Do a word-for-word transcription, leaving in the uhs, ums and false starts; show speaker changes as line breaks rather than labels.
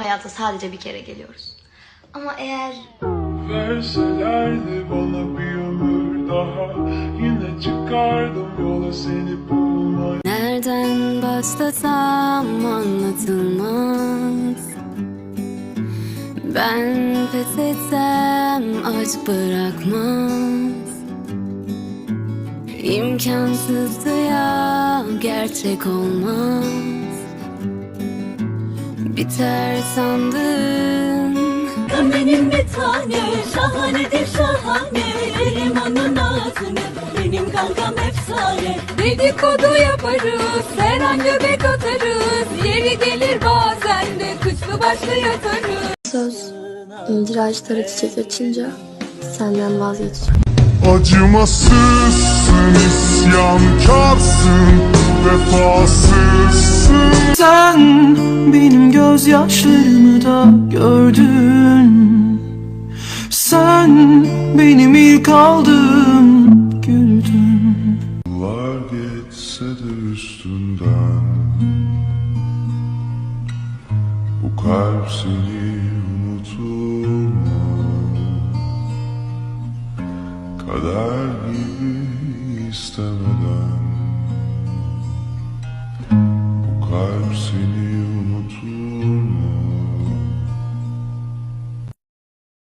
hayata sadece bir kere geliyoruz. Ama eğer
verselerdi bana bir ömür daha, yine çıkardım yola seni bulmaya.
Nereden başlasam anlatılmaz. Ben pes etsem aşk bırakmaz. İmkansızdı ya, gerçek olmaz. Biter sandın.
Benim bir tane şahanedir şahane, yerim onun ağzını, benim kankam efsane. Dedikodu yaparız, her an göbek atarız, yeri gelir bazen de kıçlı başlı yatarız.
Söz, incir ağaçları çiçek açınca senden vazgeçeceğim.
Acımasızsın, isyankarsın, vefasızsın.
Sen benim gözyaşlarımı da gördün. Sen benim ilk aldığım güldün.
Yıllar geçse de üstünden, bu kalp seni unuturmaz. Kader gibi istemeden